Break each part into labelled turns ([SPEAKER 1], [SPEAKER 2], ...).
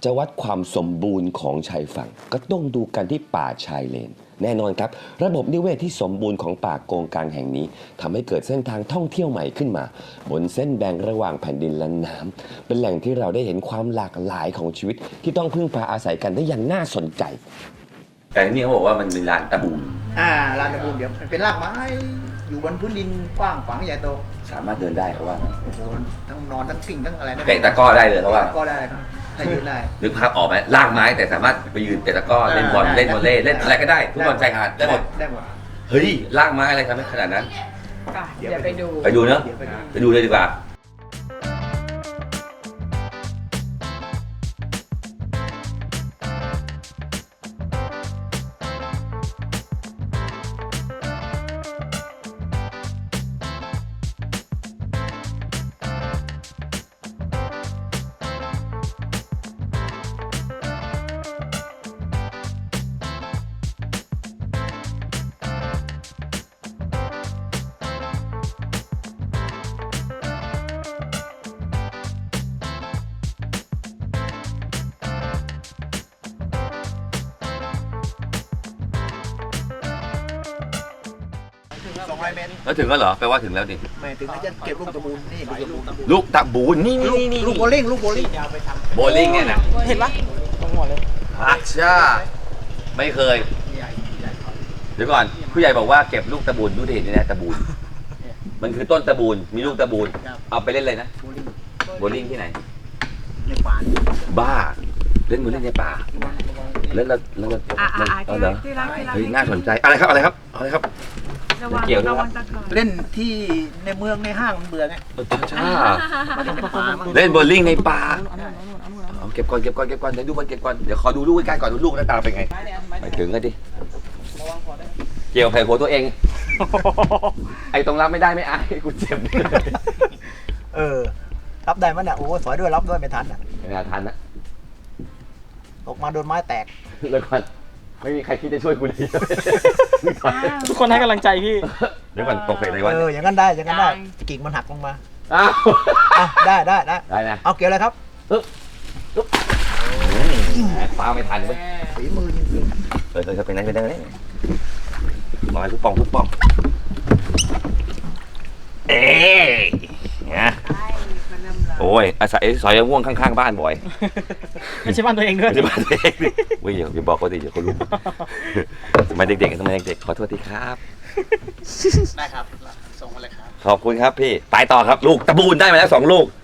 [SPEAKER 1] จะวัดความสมบูรณ์ของชายฝั่งก็ต้องดูกันที่ป่าชายเลนแน่นอนครับระบบนิเวศที่สมบูรณ์ของป่าโกงกางแห่งนี้ทำให้เกิดเส้นทางท่องเที่ยวใหม่ขึ้นมาบนเส้นแบ่งระหว่างแผ่นดินและน้ำเป็นแหล่งที่เราได้เห็นความหลากหลายของชีวิตที่ต้องพึ่งพาอาศัยกันได้อย่างน่าสนใจแต่นี่เขาบอกว่ามันเป็นลานตะบูม
[SPEAKER 2] ลานตะบูมเดี๋ยวมันเป็นรากไม้อยู่บนพื้นดินกว้างขวางใหญ่โต
[SPEAKER 1] สามารถเดินได้เขาว่า
[SPEAKER 2] โอ้โหทั้งนอนทั้งกิ่งทั้งอะไร
[SPEAKER 1] เตะตะกร้อได้เลยเขาว่า
[SPEAKER 2] ก็ได้ครับถ้ายืนได้
[SPEAKER 1] นึกภาพออกไหมลากไม้แต่สามารถไปยืนเตะตะกร้อเล่นบอลเล่นวอลเลย์เล่นอะไรก็ได้ทุกบอลชายหาดได้หมด
[SPEAKER 2] ได้หมด
[SPEAKER 1] เฮ้ยลากไม้อะไรทำให้ขนาดนั้น
[SPEAKER 3] เดี๋ยวไปดู
[SPEAKER 1] ไปดูเนอะ
[SPEAKER 2] เดี๋ยวไปดู
[SPEAKER 1] ไปดูเลยดีกว่า
[SPEAKER 2] 200 เมตร
[SPEAKER 1] แล้วถึงแล้วเหรอแปลว่าถึงแล้วดิ
[SPEAKER 2] ไม่ถึงจะเก็บลูกตะบูนนี่ลูกตะบูน
[SPEAKER 1] ลูกตะบูนนี่
[SPEAKER 2] ลูกโบลิ่งลูกโบลิ่ง
[SPEAKER 1] โบลิ่งเนี่ยนะ
[SPEAKER 3] เห็นปะ
[SPEAKER 1] อาชาไม่เคยเดี๋ยวก่อนผู้ใหญ่บอกว่าเก็บลูกตะบูนดูดิเห็นไหมตะบูนมันคือต้นตะบูนมีลูกตะบูนเอาไปเล่นเลยนะ
[SPEAKER 2] โบลิ่ง
[SPEAKER 1] โบลิ่งที่ไหน
[SPEAKER 2] ในป่า
[SPEAKER 1] บ้าเล่นโบลิ่งในป่าเล่นแล้วเหรอ
[SPEAKER 3] ที่รัก
[SPEAKER 1] เฮ้ยน่าสนใจอะไรครับอะไรครับอะไรครับ
[SPEAKER 3] ระวัง
[SPEAKER 1] เกี่ยวด้วย
[SPEAKER 3] ระวังตะกอน
[SPEAKER 2] เล่นที่ในเมืองในห้างมันเบื่อไง
[SPEAKER 1] ชาเล่นโบลิ่งในป่าเอาเก็บก่อนเดี๋ยวดูก่อนเก็บก่อนเดี๋ยวขอดูลูกใกล้ๆก่อนดูลูกหน้าตาเป็นไงไปถึงกันดิเกี่ยวไข่หัวตัวเอง ไอ้ตรงรับไม่ได้ไม่อายกูเจ็บ
[SPEAKER 2] รับได้มั้ยเนี่ยโอ้สอยด้วยรับด้วยไม่ทันอ่ะ
[SPEAKER 1] ไม่น่าทันนะ
[SPEAKER 2] ตกมาโดนไม้แตก
[SPEAKER 1] แล้วก่อนไม่มีใครคิดจะช่วยกูเลย
[SPEAKER 4] ทุกคนให้กำลังใจพี่
[SPEAKER 1] เดี๋ยวก่อนตกใส่ไหนวะ
[SPEAKER 2] อย่างนั้นได้อย่างนั้นได้กิ่งมันหักลงมา
[SPEAKER 1] อ้าว
[SPEAKER 2] ได้
[SPEAKER 1] ได้นะ
[SPEAKER 2] เอาเกี่ยวเลยครับ
[SPEAKER 1] ปลาไม่ทันเว้ย
[SPEAKER 2] ฝีมือจริง
[SPEAKER 1] เป็นไงมาทุกปองเอ๊ะเนี่ยโอ้ยอาศัยซอยม่วงข้างๆบ้านบ่อย
[SPEAKER 4] ไม่ใช่บ้านตัวเองด้วย
[SPEAKER 1] ไม่ใช่บ้านเด็กเว้ยอย่าบอกเขาดิเดี๋ยวเขารู้สมัยเด็กขอโทษทีครับ
[SPEAKER 2] ๆได้ครับส่งมาเลยครับ
[SPEAKER 1] ขอบคุณครับพี่ไปต่อครับลูกตะบูนได้มาแล้ว2 ลูก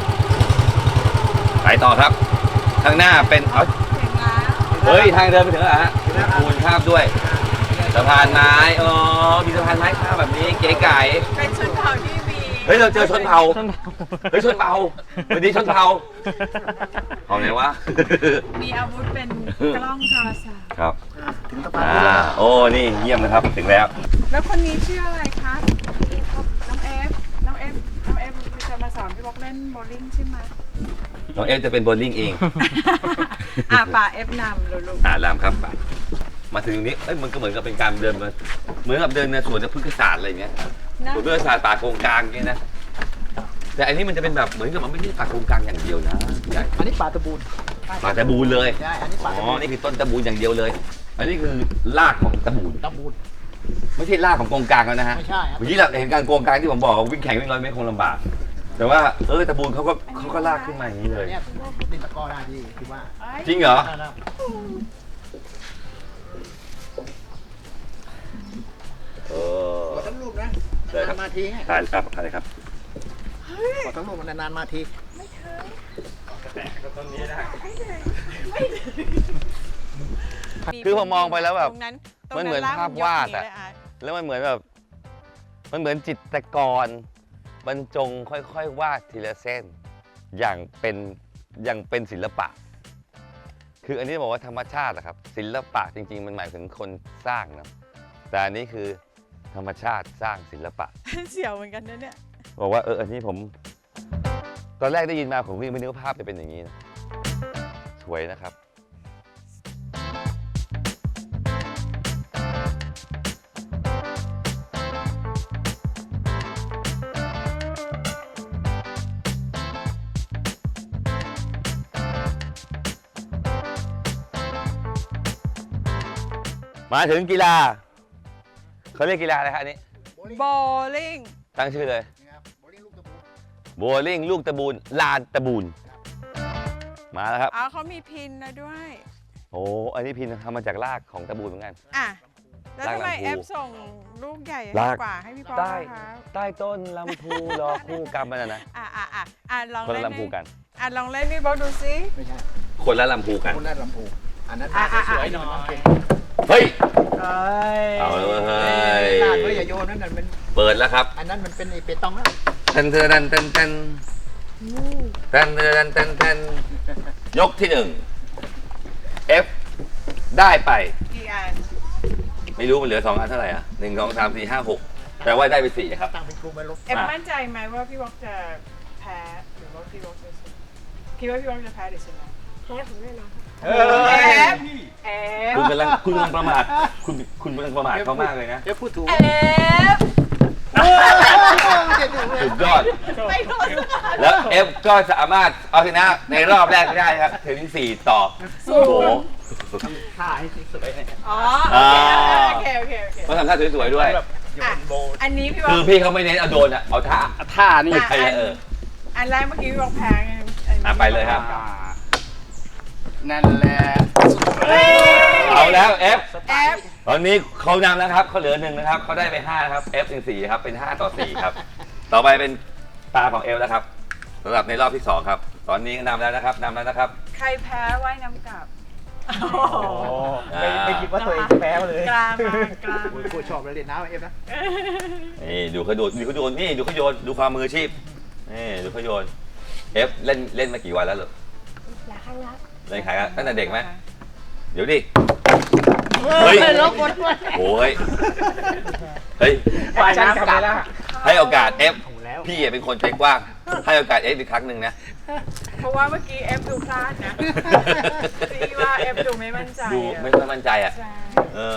[SPEAKER 1] ไปต่อครับข้างหน้าเป็นเฮ้ยทางเดินไปถึงแล้วฮะตะบูนข้ามด้วยสะพานไม้มีสะพานไม้ข้ามแบบนี้เก๋ไก่
[SPEAKER 3] เป็นชนเผ่าที่มี
[SPEAKER 1] เฮ้ยเราเจอชนเผ่าเฮ้ยชนเผ่าวันนี้ชนเผ่าเอาไหนวะ
[SPEAKER 3] มีอาวุธเป็นกล้องโทรศัพท์
[SPEAKER 1] ครับ
[SPEAKER 2] ถึงสะพานนี้แล้ว
[SPEAKER 1] โอ้นี่เยี่ยมนะครับถึงแล้ว
[SPEAKER 3] แล้วคนนี้ชื่ออะไรคะน้องเอฟจะมาสอนพี่บอกเล่นโบว์ลิ่งใช่ไหม
[SPEAKER 1] น้องเอฟจะเป็นโบว์ลิ่งเอง
[SPEAKER 3] ป่าเอฟนำลูก
[SPEAKER 1] รามครับไปมาถึงตรงนี้เอ้ยมันก็เหมือนกับเป็นการเดินมาเหมือนกับเดินในสวนพฤกษศาสตร์อะไรอย่างเงี้ย
[SPEAKER 3] นะ
[SPEAKER 1] สวนพฤกษศาสตร์ป่าโกงกลางอย่างเงี้ยนะแต่อันนี้มันจะเป็นแบบเหมือนกับมันไม่ใช่ป่าโกงกลางอย่างเดียวนะใหญ่
[SPEAKER 2] อันนี้ป่าตะบูน
[SPEAKER 1] ป่าตะบูนเลย
[SPEAKER 2] ใช่อันนี้ป่า
[SPEAKER 1] อ๋
[SPEAKER 2] ตะ
[SPEAKER 1] อ
[SPEAKER 2] บูน
[SPEAKER 1] นี่คือต้นตะบูนอย่างเดียวเลย อันนี้คือรากของตะบูน
[SPEAKER 2] ตะบูน
[SPEAKER 1] ไม่ใช่รากของโกงกลางแล้วนะฮะ
[SPEAKER 2] ไม่ใช่ครับ
[SPEAKER 1] เมื่อกี้เราเห็นการโกงกลางที่ผมบอกว่าวิ่งแข่งวิ่ง100 เมตรคงลำบากแต่ว่าตะบูนเขาก็ลากขึ้นมาอย่างนี้เลย
[SPEAKER 2] เนี่ยติดตะกร้อได้ที่คิดว่า
[SPEAKER 1] จริงเหรอ
[SPEAKER 2] ได้ครับ ขอทั้งรูปนะ
[SPEAKER 1] ได้ครั
[SPEAKER 2] นา
[SPEAKER 1] บ
[SPEAKER 2] นๆมาทีไง
[SPEAKER 1] ถ่ายครับถ่ายครับ
[SPEAKER 2] ขอทั้งรูปมันนานๆมาที
[SPEAKER 1] คือผมมองไปแล้วแบบ
[SPEAKER 3] ตรงนั้น
[SPEAKER 1] มันเหมือนภาพวาดอะ แล้วมันเหมือนแบบมันเหมือนจิตรกรบรรจงค่อยๆวาดทีละเส้นอย่างเป็นศิลปะ คืออันนี้บอกว่าธรรมชาติอะครับศิลปะจริงๆ มันหมายถึงคนสร้างนะแต่อันนี้คือธรรมชาติสร้างศิลปะ
[SPEAKER 3] เสียวเหมือนกันนะเนี่ย
[SPEAKER 1] บอกว่าอันนี้ผมตอนแรกได้ยินมาผมก็ยังไม่นึกว่าภาพจะเป็นอย่างนี้นะสวยนะครับมาถึงกีฬาเขาเรียกกีฬาอะไรครับอันนี้
[SPEAKER 3] โบลิ่ง
[SPEAKER 1] ตั้งชื่อเลย
[SPEAKER 2] นี่ครับโบลิ่งลูกตะปู
[SPEAKER 1] โบลิ่งลูกตะบูนลานตะบูนมาแล้วครับ
[SPEAKER 3] อ๋อเขามีพินนะด้วย
[SPEAKER 1] โอ้อันนี้พินทำมาจากรากของตะบูนเหมือนกัน
[SPEAKER 3] อ่ะ แล้วทำไม
[SPEAKER 1] ลากลำพู
[SPEAKER 3] เอฟส่งลูกใหญ่
[SPEAKER 1] ลาก
[SPEAKER 3] กว่าให้พี่ป๊อก
[SPEAKER 1] ใต้
[SPEAKER 3] นะคะ
[SPEAKER 1] ใต้ต้นลำพูรอคู่กรรมมันนะ
[SPEAKER 3] อ่ะลอง
[SPEAKER 1] คน
[SPEAKER 3] เล่
[SPEAKER 1] ละ
[SPEAKER 3] น
[SPEAKER 1] ลำพูกัน
[SPEAKER 3] อ่ะลองเล่นพี่ป๊อกดูสิ
[SPEAKER 2] ไม่ใช่
[SPEAKER 1] คนละลำพูกัน
[SPEAKER 2] คนละลำพูอันนั้น
[SPEAKER 4] สวยหน่อย
[SPEAKER 1] เฮ้ย
[SPEAKER 4] เอ้ย
[SPEAKER 1] เอาเลยเว้ย
[SPEAKER 2] ลาดไว้อย่าโยนนั่นเป็น
[SPEAKER 1] เปิดแล้วครับ
[SPEAKER 2] อันนั้นมันเป็นไอเปตองแล้ว
[SPEAKER 1] เต้นเต้นเต้นเต้นเต้นเต้นเต้นเต้นยกที่1 F ได้ไป
[SPEAKER 3] กี่อัน
[SPEAKER 1] ไม่รู้มันเหลือ2 อันเท่าไหร่อ่ะ1 2 3 4 5 6แต่ว่าได้ไป4ครับ
[SPEAKER 2] ตั้งเป็นกลุ่มไปลบ
[SPEAKER 3] เอฟมั่นใจไหมว่าพี่ป๊อกจะแพ้หรือว่าพี่ป๊อกจะชนะคิดว่าพี่ป๊อกจะแพ้หรือชนะ
[SPEAKER 5] แพ้ผมแน่นอน
[SPEAKER 2] เอ
[SPEAKER 3] เอฟ
[SPEAKER 1] คุณกำลังประมาทคุณกำลังประมาทเขามากเลยนะ
[SPEAKER 2] เดี๋ยวพูดถูก
[SPEAKER 3] เอฟ
[SPEAKER 1] สุดยอด
[SPEAKER 3] ไปโดนสักอัน
[SPEAKER 1] แล้ว F ก็สามารถเอาชนะในรอบแรกได้ครับ ถึง4 ต่อโอ้โห
[SPEAKER 2] ท่าให้สวยๆ
[SPEAKER 3] อ๋อโอเคโอเคโอเค
[SPEAKER 1] ต้องทำท่าสวยๆด้วย
[SPEAKER 2] แบบโยนโบ
[SPEAKER 3] อันนี้พี่ป๊
[SPEAKER 1] คือ อก พี่เขาไม่เน้นเอาโดนอ่ะ เอาท่า
[SPEAKER 4] ท่านี่
[SPEAKER 1] ไม่ใช่เออ
[SPEAKER 3] อันแรกเมื่อกี้พี่ป๊อกแพ้ไง
[SPEAKER 1] ไปเลยครับ
[SPEAKER 4] นั่นแหละ
[SPEAKER 1] เอาแล้ว F
[SPEAKER 3] เอฟ
[SPEAKER 1] ตอนนี้เขานำแล้วครับเขาเหลือ1นะครับเขาได้ไป5ครับ F เป็น4ครับเป็น5 ต่อ 4 ครับ ต่อไปเป็นตาของ F แล้วครับสำหรับในรอบที่2ครับตอนนี้นำแล้วนะครับ
[SPEAKER 3] ใครแพ้ว่ายน้ำกลับ
[SPEAKER 2] ไม่คิดว่าตัวเองแพ้เลย
[SPEAKER 3] กลางมากลาง
[SPEAKER 2] โอ้ยกูชอบเลยเล่นน้ำเอฟนะ
[SPEAKER 1] นี่ดูเขาโดนนี่ดูเขาโยนดูความมืออาชีพนี่ดูเขาโยน F เล่นมากี่วันแล้วเหรอ
[SPEAKER 5] หลายครั้งแล้ว
[SPEAKER 1] เล่นขายกันตั้งแต่เด็กไหมเดี๋ยวดิเฮ้ย
[SPEAKER 5] ลบหมดเลย
[SPEAKER 1] โอ้ยเฮ้ย
[SPEAKER 4] ฝ่ายน้ำกลับแล้ว
[SPEAKER 1] ให้โอกาส F
[SPEAKER 2] แล้ว
[SPEAKER 1] พี่เป็นคนใจกว้าง ให้โอกาส F อีกครั้งหนึ่งนะ
[SPEAKER 3] เพราะว่าเมื่อกี้เอฟดูพลาดนะพี่ว่าเอฟดูไม่มั่นใจ
[SPEAKER 1] ดู
[SPEAKER 3] อะ
[SPEAKER 1] ไม่ค่อยมั่นใจอ่ะ
[SPEAKER 3] ใช่
[SPEAKER 1] เออ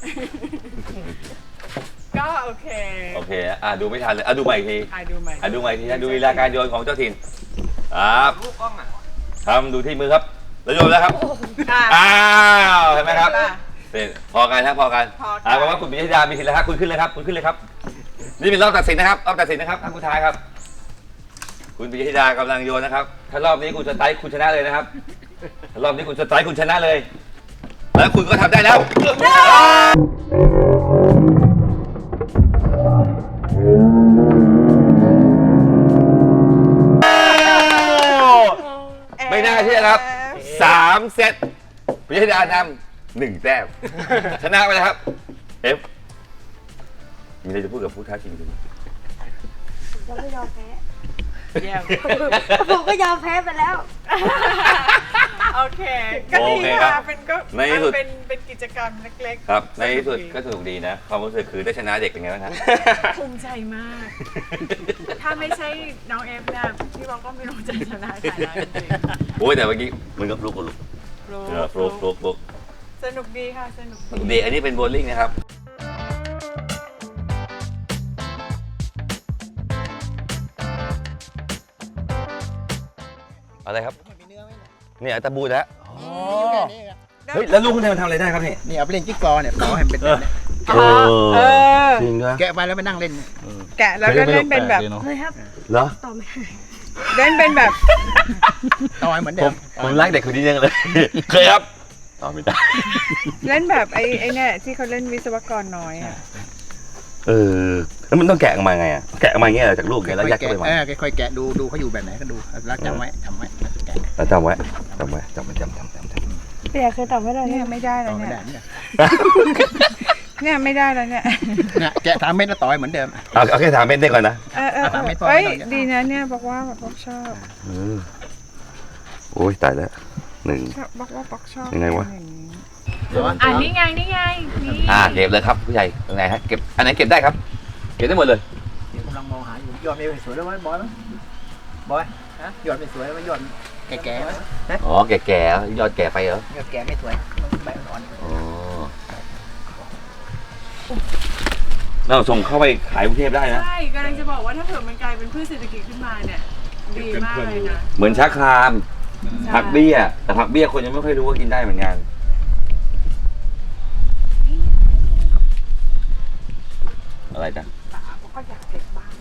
[SPEAKER 3] ก็โอเค
[SPEAKER 1] โอเคดูไม่ทันเลยดูใหม่อีกที
[SPEAKER 3] ดูใหม่
[SPEAKER 1] ดูใหม่อีกทีนะดูลีลาการโยนของเจ้าถิ่นครับทำดูที่มือครับแล้วโยนแล้วครับ อ้าวเห็นไหมครับเสร็จพอกันครับพอกันแปลว่าคุณปิยดามีสิทธิ์แล้วครับคุณขึ้นเลยครับคุณขึ้นเลยครับ นี่เป็นรอบตัดสินนะครับรอบตัดสินนะครับท่านผู้ท้ายครับ คุณปิยดากำลังโยนนะครับ ถ้ารอบนี้คุณสไตล์คุณชนะเลยนะครับถ้ารอบนี้คุณสไตล์คุณชนะเลย แล้วคุณก็ทำได้แล้วไม่น่าเชื่อครับ 3 เซตปิยดานำ1 แต้มชนะไปแล้วครับ F มีอะไรจะพูดกับผู้ท้าชิงคุณ
[SPEAKER 5] ผมก็ยอมแพ้
[SPEAKER 3] เยี่ยม
[SPEAKER 5] ผมก็ยอมแพ้ไปแล้ว
[SPEAKER 3] โอเคก็ดีค่ะเป็นก็
[SPEAKER 1] ในที่สุด
[SPEAKER 3] เป็นกิจกรรมเล็กๆ
[SPEAKER 1] ครับในที่สุดก็สนุกดีนะความรู้สึกคือได้ชนะเด็กเป็นไงบ้างครับ
[SPEAKER 3] ภูมิใจมาก ถ้าไม่ใช่น้องเอฟเนี่ยพี่บอกก็ไม่รู้จะชนะใครแล้วจริง
[SPEAKER 1] โอ้ยแต่เมื่อกี้มันก็ฟลุกกับลุก
[SPEAKER 3] ๆ
[SPEAKER 1] ฟลุก
[SPEAKER 3] สนุกดีค่ะสนุก
[SPEAKER 1] ดีอันนี้เป็นโบว์ลิ่งนะครับอะไรครับ
[SPEAKER 2] มีเนื้อไหม
[SPEAKER 1] เนี่ยตะบูนะ
[SPEAKER 2] อยู่แค่นี้ครับ
[SPEAKER 1] เฮ้ยแล้วลูกคุณมันทำอะไรได้ครับนี่
[SPEAKER 2] นี่เอาไปเล่นจิ๊กซอว์เนี่ยต่อให้มันเป็นแบบเนี้ย
[SPEAKER 3] เออ
[SPEAKER 1] จริงด้วย
[SPEAKER 2] แกะไปแล้วไปนั่งเล่น
[SPEAKER 3] แกะแล้วก็เล่นเป็นแบบ
[SPEAKER 5] เฮ้ยครับ
[SPEAKER 1] เหรอ
[SPEAKER 5] ต่อไม่ได้
[SPEAKER 3] เล่นเป็นแบบ
[SPEAKER 2] ต่อให้เหมือนเดิม
[SPEAKER 1] ผมรักเด็กคนนี้ยังเลย เคยครับตอบไม่ได้
[SPEAKER 3] เล่นแบบไอ้เนี่ยที่เขาเล่นวิศวกรน้อยอ่ะ
[SPEAKER 1] แล้วมันต้องแกะออกมาไงอ่ะแกะออกมาอย่างเงี้ยเหรอจากลูกเนี่ยแล้วยัดเข้าไปวาง
[SPEAKER 2] ค่อยๆแกะดูเขาอยู่แบบไหนก็ดูแล้วจำไว้แกะ
[SPEAKER 1] แล้วจำไว้จำ
[SPEAKER 5] เปียเคยต่อไม่ได้
[SPEAKER 3] เนี่ยไม่ได้
[SPEAKER 2] ต่
[SPEAKER 3] แล้
[SPEAKER 2] อ
[SPEAKER 3] ว
[SPEAKER 2] ไม่
[SPEAKER 3] เนี่
[SPEAKER 2] ได้
[SPEAKER 3] ย
[SPEAKER 2] เนี่ย
[SPEAKER 3] เนี่ยไม่ได้แล้วเนี่ย
[SPEAKER 2] เนี่ยแกะ3 เม็ดแล้วต่อให้เหมือนเดิม
[SPEAKER 1] เอาแค่3 เม็ดได้ก่อนนะ
[SPEAKER 3] เฮ้ยดีนะเนี่ยบอกว่าบอกชอบ
[SPEAKER 1] โอ้ยตายแล้ว1
[SPEAKER 3] ชอบบอกว่าบอกชอบ
[SPEAKER 1] ยังไงวะ
[SPEAKER 3] นี่ไงนี่
[SPEAKER 1] เก็บเลยครับผู้ใหญ่ยังไงฮะเก็บอันไหนเก็บได้ครับ เก็บได้หมดเลย
[SPEAKER 2] กำลังมองหาอยู่ยอดไม่สวยแล้วไหมบอยยอดไม่สวยแล้วยอดแก่ๆไหม
[SPEAKER 1] อ๋อแก่ๆยอดแก่ไปเหรอย
[SPEAKER 2] อดแก่ไม่สวยใบอ่อน
[SPEAKER 1] อ๋อเราส่งเข้าไปขายกรุงเทพได้นะ
[SPEAKER 3] ใช่กำลังจะบอกว่าถ้าเผื่อมันกลายเป็นพืชเศรษฐกิจขึ้นมาเนี่ยดีมากเลยนะ
[SPEAKER 1] เหมือนชะครามผักเบี้ยแต่ผักเบี้ยคนยังไม่ค่อยรู้ว่ากินได้เหมือนกัน
[SPEAKER 3] นี่ไง
[SPEAKER 1] อะไรกัน
[SPEAKER 3] ป๋าก็อยากเก็บบ้าง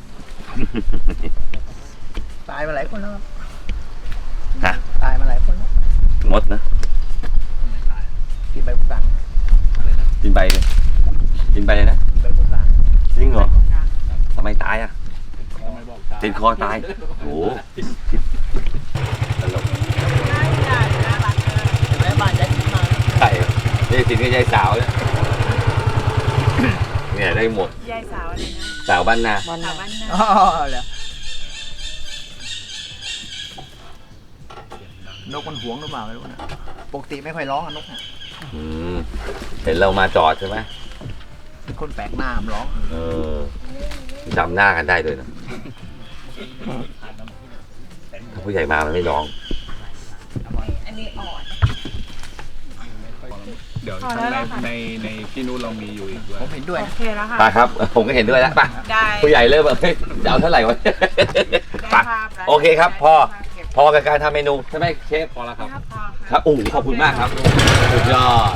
[SPEAKER 2] ตายมาหลายคนแล้วครับ
[SPEAKER 1] ฮะ
[SPEAKER 2] ตายมาหลายคนแล้ว
[SPEAKER 1] มดนะ
[SPEAKER 2] กินใบกุหลาบ
[SPEAKER 1] กินใบเลยกินใบเลยนะ
[SPEAKER 2] กินใบกุหลาบ
[SPEAKER 1] จริงเหรอทำไมตายอ่ะติดคอตายโอ้โหตลก
[SPEAKER 3] น่าใหญ่น่ารักเลย
[SPEAKER 2] แม่บ้านย้ายที่มา
[SPEAKER 1] ใช่ยายสินกับยายสาวเนี่ยเนี่ยได้หมด
[SPEAKER 3] ยายสาวอะไรนะ
[SPEAKER 1] สาวบ้านนา
[SPEAKER 3] สาวบ้านนา
[SPEAKER 2] อ๋อเหรอนกมันหวงหรือเปล่าไม่รู้นะปกติไม่ค่อยร้องอะนกอะ
[SPEAKER 1] อืมเห็นเรามาจอดใช่ไหม
[SPEAKER 2] เป็นคนแปลกหน้ามันร้อง
[SPEAKER 1] เออจำหน้ากันได้ด้วยนะถ้าผู้ใหญ่มามันไม่ร้อง
[SPEAKER 3] อันนี้อ่อน
[SPEAKER 4] เดี๋ยวข้างในที่นู้นเรามีอยู่อีกด้วย
[SPEAKER 2] ผมเห็นด้วย
[SPEAKER 3] โอ
[SPEAKER 2] นะ
[SPEAKER 3] เคแล้วค่ะ
[SPEAKER 1] ไปครับ ผมก็เห็นด้วยแล้วไป
[SPEAKER 3] ได้
[SPEAKER 1] ผู้ใหญ่เริ่มแบบเฮ้ยจะเอาเท่าไหร่วะ
[SPEAKER 3] ได้
[SPEAKER 1] ไป
[SPEAKER 3] ภาพแล้ว
[SPEAKER 1] โอเคครับ
[SPEAKER 3] ได้
[SPEAKER 1] พอ
[SPEAKER 3] ภาพเก็บ
[SPEAKER 1] พอกับการทำเมนูใช่ไหมเชฟ
[SPEAKER 4] พอแล้วครับ
[SPEAKER 3] ภาพพอ
[SPEAKER 1] ครับโอ้โหขอบคุณมากครับสุดยอด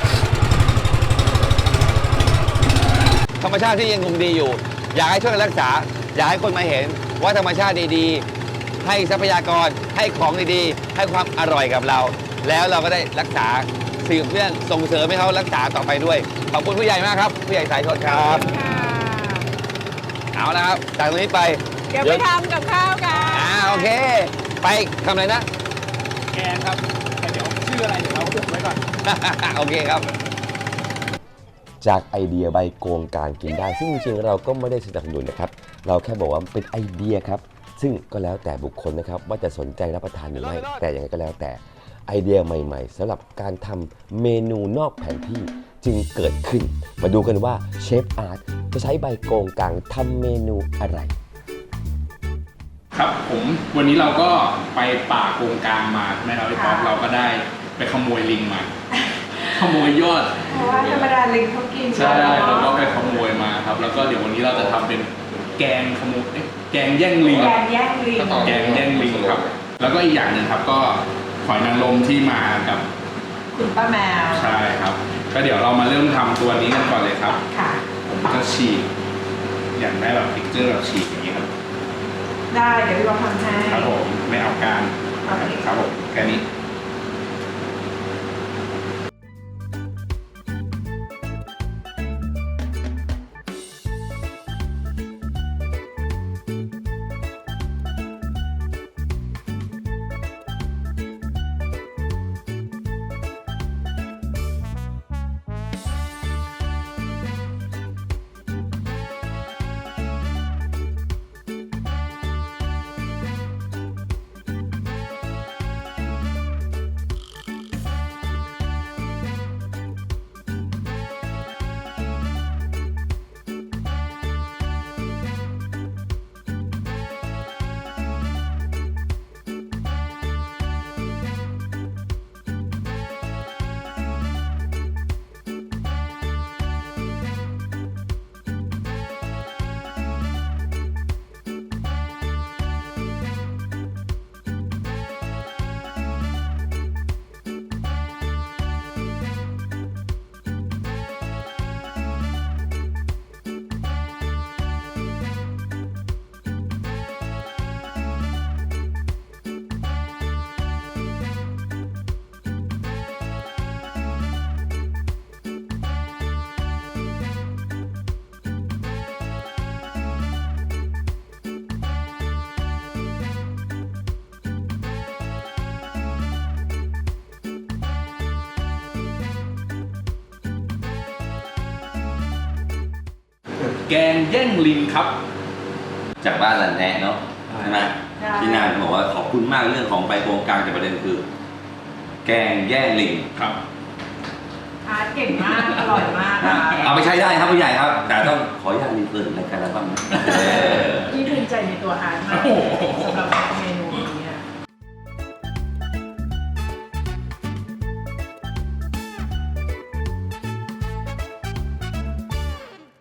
[SPEAKER 1] ธรรมชาติที่ยังคงดีอยู่ อยากให้ช่วยกันรักษา อยากให้คนมาเห็นว่าธรรมชาติดีๆ ให้ทรัพยากรให้ของดีๆ ให้ความอร่อยกับเรา แล้วเราก็ได้รักษาสืบเรื่องส่งเสริมให้เขารักษาต่อไปด้วย ขอบคุณผู้ใหญ่มากครับ ผู้ใหญ่สายชนครับ
[SPEAKER 3] ค่ะ
[SPEAKER 1] เอาละครับจากตรงนี้ไป
[SPEAKER 3] เดี๋ยวไปทำกับข้าวกัน
[SPEAKER 1] โอเค ไปทำอะไรนะ
[SPEAKER 4] แกงครับแต่เดี๋ยวชื่ออะไรเดี๋ยวเราอุบไว้ก่อน
[SPEAKER 1] โอเคครับ จากไอเดียใบโกงการกินได้ ซึ่งจริงๆเราก็ไม่ได้สนับสนุนนะครับ เราแค่บอกว่าเป็นไอเดียครับ ซึ่งก็แล้วแต่บุคคลนะครับ ว่าจะสนใจรับประทานหรือไม่ แต่ยังไงก็แล้วแต่ไอเดียใหม่ๆสำหรับการทำเมนูนอกแผนที่จึงเกิดขึ้น มาดูกันว่าเชฟอาร์ตจะใช้ใบโกงกางทำเมนูอะไร
[SPEAKER 4] ครับผมวันนี้เราก็ไปป่าโกงกลางมาใช่ไหมครับพี่ป๊อปเราก็ได้ไปขโมยลิงมา ขโมยยอด
[SPEAKER 3] เพราะว่าธรรมดาลิงเขากิน
[SPEAKER 4] ใช่เราก็ไปขโมยมาครับ แล้วก็เดี๋ยววันนี้เราจะทำเป็นแกงขโมยแกงแย่งลิง
[SPEAKER 3] แกงแย่งลิง
[SPEAKER 4] แกงแย่งลิงครับ แล้วก็อีกอย่างหนึ่งครับก็หอยนางรมที่มากับ
[SPEAKER 3] คุณป้าแมว
[SPEAKER 4] ใช่ครับ ก็เดี๋ยวเรามาเริ่มทำตัวนี้กันก่อนเลยครับ
[SPEAKER 3] ค่ะ
[SPEAKER 4] ผมจะฉีกอย่างได้แบบพิกเจอร์แบบฉีกอย่างนี้ครับ
[SPEAKER 3] ได้เดี๋ยวพี่บอกทำให้
[SPEAKER 4] ครับผมไม่เอาการ
[SPEAKER 3] โอเค
[SPEAKER 4] ครับผมแค่นี้ แกงแย่งลิงครับ
[SPEAKER 1] จากบ้านหลันแนะเนาะใช่ไหมพี่นางบอกว่าขอบคุณมากเรื่องของใบโกงกางแต่ประเด็นคือ แกงแย่งลิง
[SPEAKER 4] ครับ
[SPEAKER 3] อาร์ตเก่งมาก อร่อยมากค่ะ
[SPEAKER 1] เอาไปใช้ได้ครับผู้ใหญ่ครับ แต่ต้องขออนุญาตรีเทิร์นรายการเราบ้างนะ
[SPEAKER 3] พี่ภูมิใจในตัวอาร์ตมาก
[SPEAKER 4] โอ้โห
[SPEAKER 3] สำหรับเมนู